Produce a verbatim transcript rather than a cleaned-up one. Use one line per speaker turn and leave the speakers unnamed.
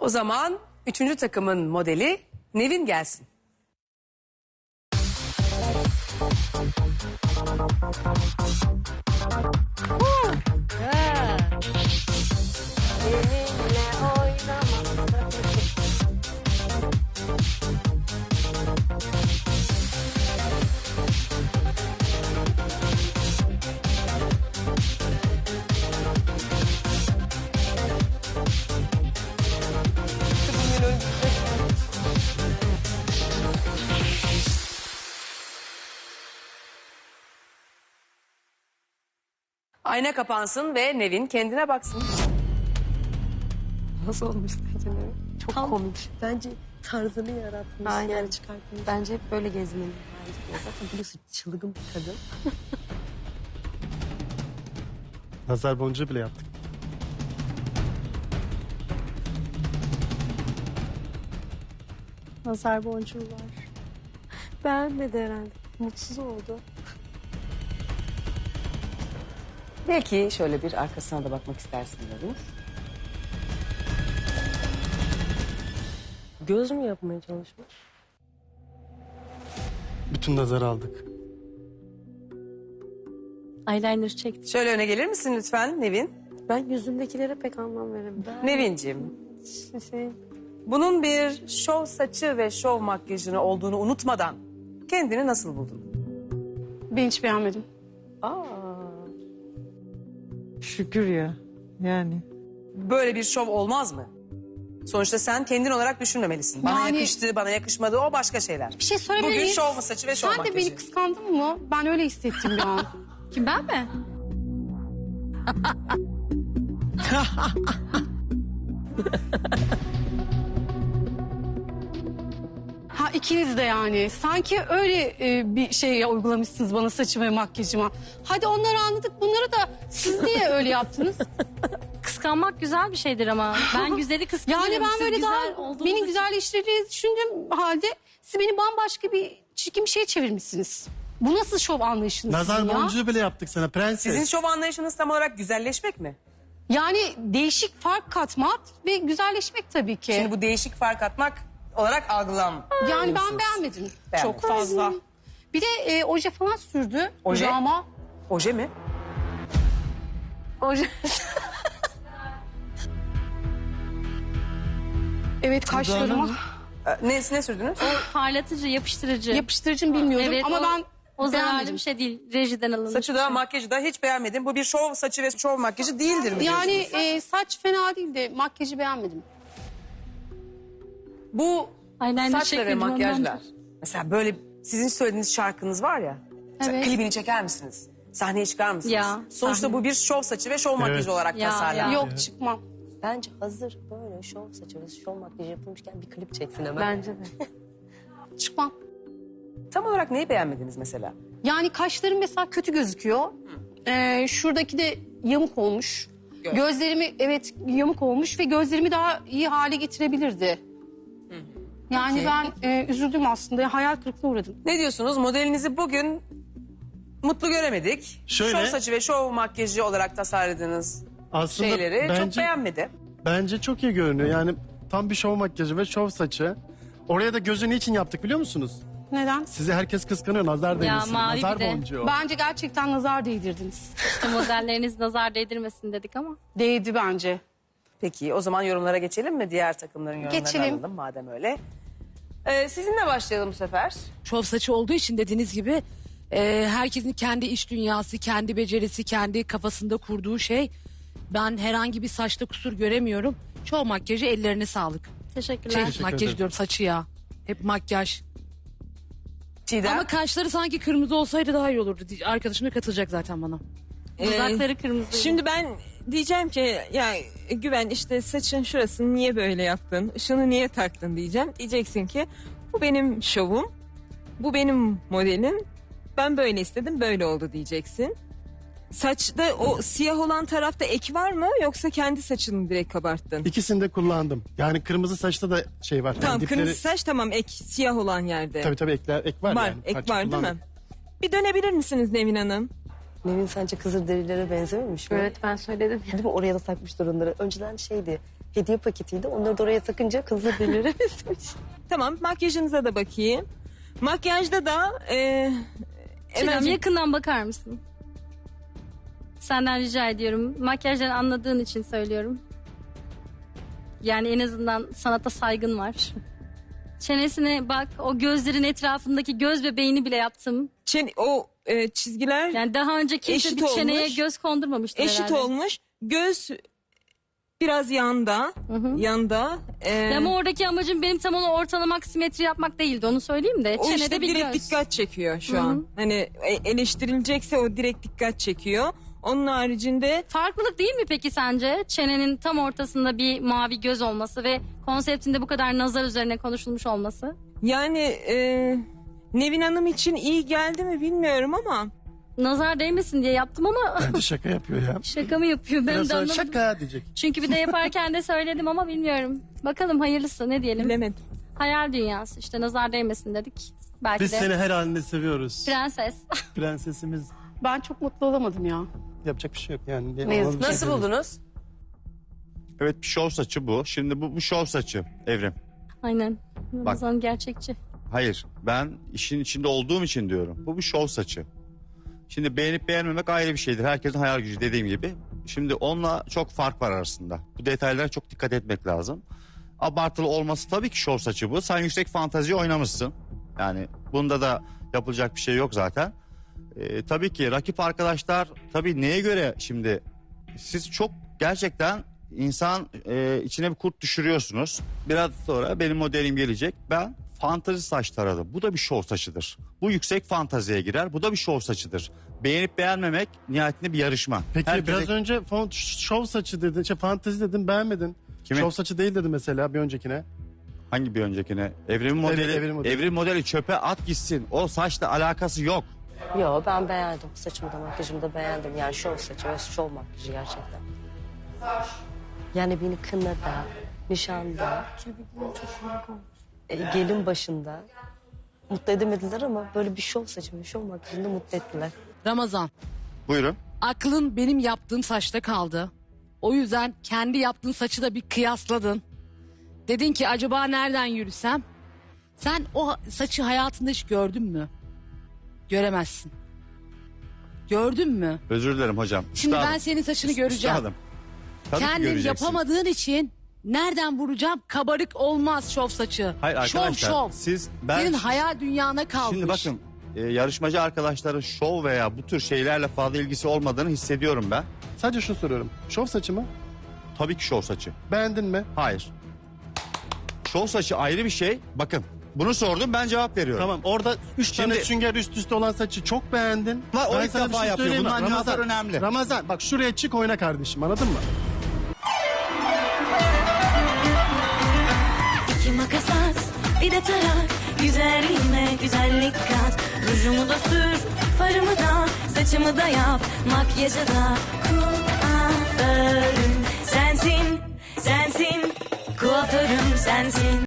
O zaman üçüncü takımın modeli Nevin gelsin. Ayna kapansın ve Nevin kendine baksın.
Nasıl olmuş sence Nevin? Çok
Tam-
komik. Bence tarzını yaratmış.
Aynen.
Yani çıkartmış.
Bence hep böyle gezmeli.
Ya zaten biliyorsun çılgın bir kadın.
Nazar boncuğu bile yaptık.
Nazar boncuğu var. Beğenmedi herhalde. Mutsuz oldu.
Belki şöyle bir arkasına da bakmak istersin Nevin.
Göz mü yapmaya çalışmış?
Bütün nazarı aldık.
Eyeliner çekti.
Şöyle öne gelir misin lütfen Nevin?
Ben yüzündekilere pek anlam veremiyorum.
Nevinciğim,
Şey,
bunun bir şov saçı ve şov makyajını olduğunu unutmadan kendini nasıl buldun?
Ben hiç beğenmedim.
Aa,
Şükür ya. Yani.
böyle bir şov olmaz mı? Sonuçta sen kendin olarak düşünmemelisin. Bana
Yani-
yakıştı, bana yakışmadı o başka şeyler.
Bir şey söyleyebilir
Bugün
miyim?
şov mu saçı ve şov
Sen
makyajı?
de beni kıskandın mı? Ben öyle hissettim bir an.
Kim, ben mi?
Ha ikiniz de yani. Sanki öyle e, bir şey uygulamışsınız bana saçıma ve makyajıma. Hadi onları anladık. Bunları da siz niye öyle yaptınız?
Kıskanmak güzel bir şeydir ama. Ben güzeli kıskanırım.
Yani ben
Siz
böyle
güzel
daha
olduğunuz
benim
için-
güzelleştirdiğinizi düşündüğüm halde siz beni bambaşka bir çirkin bir şeye çevirmişsiniz. Bu nasıl şov anlayışınız
Nazar
sizin ya?
boncuğu bile yaptık sana prenses.
Sizin şov anlayışınız tam olarak güzelleşmek mi?
Yani değişik fark katmak ve güzelleşmek tabii ki.
Şimdi bu değişik fark atmak olarak algılam.
Yani ben beğenmedim
Beğenmedin.
çok fazla. Bir de e, oje falan sürdü.
Oje?
Dudağıma.
Oje mi?
Oje. Evet kaşlarıma.
Ee, Ne, ne sürdünüz?
Parlatıcı, yapıştırıcı.
Yapıştırıcım bilmiyordum
Evet,
ama
o-
ben
O zararlı
beğenmedim.
bir şey değil. Rejiden alınmış.
Saçı da makyajı da hiç beğenmedim. Bu bir şov saçı ve şov makyajı değildir mi
Yani
diyorsunuz?
e, saç fena değildi. Makyajı beğenmedim.
Bu
Eyeliner
saçla ve
çekmedim ondan.
makyajlar. Mesela böyle sizin söylediğiniz şarkınız var ya. Mesela
Evet.
klibini çeker misiniz? Sahneye çıkar mısınız?
Ya,
Sonuçta
sahne.
bu bir şov saçı ve şov makyajı olarak
Ya,
tasarlandı.
ya.
Yok çıkmam.
Bence hazır böyle şov saçı ve şov makyajı yapılmışken bir klip çeksin hemen.
Bence de.
Çıkmam.
Tam olarak neyi beğenmediniz mesela?
Yani kaşlarım mesela kötü gözüküyor. Ee, şuradaki de yamuk olmuş.
Göz.
Gözlerimi evet yamuk olmuş ve gözlerimi daha iyi hale getirebilirdi. Yani
Peki.
ben e, üzüldüm aslında. Hayal kırıklığına uğradım.
Ne diyorsunuz? Modelinizi bugün mutlu göremedik.
Şöyle-
Şov saçı ve şov makyajı olarak tasarladığınız
Aslında
şeyleri çok
bence,
beğenmedi.
bence çok iyi görünüyor. Yani tam bir şov makyajı ve şov saçı. Oraya da gözü niçin yaptık biliyor musunuz?
Neden?
Sizi herkes kıskanıyor. Nazar değmesin.
mavi
Nazar
bir de.
boncuğu.
Bence gerçekten nazar değdirdiniz.
İşte modelleriniz nazar değdirmesin dedik ama.
Değdi bence.
Peki o zaman yorumlara geçelim mi? Diğer takımların yorumlarını
Geçelim.
alalım madem öyle. Ee, sizinle başlayalım bu sefer.
Şov saçı olduğu için dediğiniz gibi e, herkesin kendi iç dünyası, kendi becerisi, kendi kafasında kurduğu şey. Ben herhangi bir saçta kusur göremiyorum. Şov makyajı ellerine sağlık.
Teşekkürler.
Şey,
Teşekkür
makyaj
ederim.
diyorum, saçı ya. Hep makyaj.
Çiğdem.
Ama kaşları sanki kırmızı olsaydı daha iyi olurdu. Arkadaşım da katılacak zaten bana.
Dudakları kırmızı.
Şimdi ben diyeceğim ki ya Güven işte saçın şurasını niye böyle yaptın? Şunu niye taktın diyeceğim. Diyeceksin ki bu benim şovum. Bu benim modelim. Ben böyle istedim böyle oldu diyeceksin. Saçta o siyah olan tarafta ek var mı yoksa kendi saçını direkt kabarttın?
İkisini de kullandım. Yani kırmızı saçta da şey var.
Tamam
Yani dipleri-
kırmızı saç tamam ek siyah olan yerde.
Tabii tabii ekler, ek var,
var
yani.
ek
Parça
var değil mi?
kullandım.
Bir dönebilir misiniz Nevin Hanım?
Nevin sence Kızılderililere benzememiş mi?
Evet ben söyledim.
Değil mi? Oraya da takmışlar onları. Önceden şeydi. hediye paketiydi. Onları da oraya takınca kızı delirememiş.
Tamam, makyajınıza da bakayım. Makyajda da e,
Çiğdem
Emel'cim,
yakından bakar mısın? Senden rica ediyorum. Makyajdan anladığın için söylüyorum. Yani en azından sanata saygın var. Çenesine bak, o gözlerin etrafındaki göz bebeğini bile yaptım.
çen- o e, çizgiler
Yani daha önce kimse
Eşit
bir çeneye
olmuş.
göz kondurmamıştır
eşit
herhalde.
olmuş. Göz biraz yanda,
Hı hı.
yanda. E,
Ya ama oradaki amacım benim tam onu ortalamak, simetri yapmak değildi. Onu söyleyeyim de.
o
Çenede
işte
bir
direkt
göz.
dikkat çekiyor şu
Hı hı.
an. Hani e- eleştirilecekse o direkt dikkat çekiyor. Onun haricinde
Farklılık değil mi peki sence? Çenenin tam ortasında bir mavi göz olması ve konseptinde bu kadar nazar üzerine konuşulmuş olması.
yani e, Nevin Hanım için iyi geldi mi bilmiyorum ama
Nazar değmesin diye yaptım ama
Bence şaka yapıyor ya.
şaka mı yapıyor ben
Biraz
de
sonra
anlamadım.
şaka diyecek.
Çünkü bir de yaparken de söyledim ama bilmiyorum. Bakalım hayırlısı ne diyelim.
bilemedim.
Hayal dünyası işte nazar değmesin dedik. Belki
Biz
de
seni her halinde seviyoruz.
prenses.
Prensesimiz.
Ben çok mutlu olamadım ya.
Yapacak bir şey yok yani.
Ne yazık
Ona bir şey
Nasıl
demiyorum.
buldunuz?
Evet bir şov saçı bu. Şimdi bu, bu şov saçı Evrim.
Aynen. Ramazan gerçekçi.
Hayır ben işin içinde olduğum için diyorum. Bu bir şov saçı. Şimdi beğenip beğenmemek ayrı bir şeydir. Herkesin hayal gücü dediğim gibi. Şimdi onunla çok fark var arasında. Bu detaylara çok dikkat etmek lazım. Abartılı olması tabii ki şov saçı bu. Sen yüksek fantazi oynamışsın. Yani bunda da yapılacak bir şey yok zaten. Ee, tabii ki rakip arkadaşlar tabii neye göre şimdi siz çok gerçekten insan e, içine bir kurt düşürüyorsunuz. Biraz sonra benim modelim gelecek. Ben fantazi saç taradım. Bu da bir şov saçıdır. Bu yüksek fantaziye girer. Bu da bir şov saçıdır. Beğenip beğenmemek nihayetinde bir yarışma.
Peki
Herkese-
biraz önce fon, şov saçı dedin, şey, fantezi dedin beğenmedin.
Kimin?
Şov saçı değil dedi mesela bir öncekine.
Hangi bir öncekine? Evrim modeli,
Evet,
evrim
evrim
modeli.
modeli.
çöpe at gitsin. O saçla alakası yok.
Yo ben beğendim. Saçımı da makyajımı da beğendim. Yani şov saçı ve şov makyajı gerçekten. Yani beni kınada, nişanda, e, gelin başında mutlu edemediler ama böyle bir şov saçı ve şov makyajında mutlu ettiler.
Ramazan,
Buyurun.
aklın benim yaptığım saçta kaldı. O yüzden kendi yaptığın saçı da bir kıyasladın. Dedin ki acaba nereden yürüsem? Sen o saçı hayatında hiç gördün mü? Göremezsin. Gördün mü?
Özür dilerim hocam.
Şimdi
Üstadım.
ben senin saçını göreceğim.
Üstadım. Tabii ki
Kendin
göreceksin.
yapamadığın için nereden vuracağım? Kabarık olmaz şov saçı.
Hayır
şov
arkadaşlar
şov.
siz ben
Senin hayal dünyana kalmış.
şimdi bakın e, yarışmacı arkadaşların şov veya bu tür şeylerle fazla ilgisi olmadığını hissediyorum ben.
Sadece şunu soruyorum. Şov saçı mı?
Tabii ki şov saçı.
Beğendin mi?
Hayır. Şov saçı ayrı bir şey. Bakın bunu sordum ben cevap veriyorum.
Tamam orada üç tane
Şimdi-
sünger üst üste olan saçı çok beğendin.
Ama o
Ben
ilk
sana bir
defa
şey
yapıyor.
söyleyeyim mi?
Bundan cevaplar önemli.
Ramazan bak şuraya çık oyna kardeşim anladın mı?
İki makas at, bir de tarak. Güzelliğime güzellik kat. Rujumu da sür, farımı da, saçımı da yap. Makyajı da kuaförüm sensin, sensin. Kuaförüm sensin.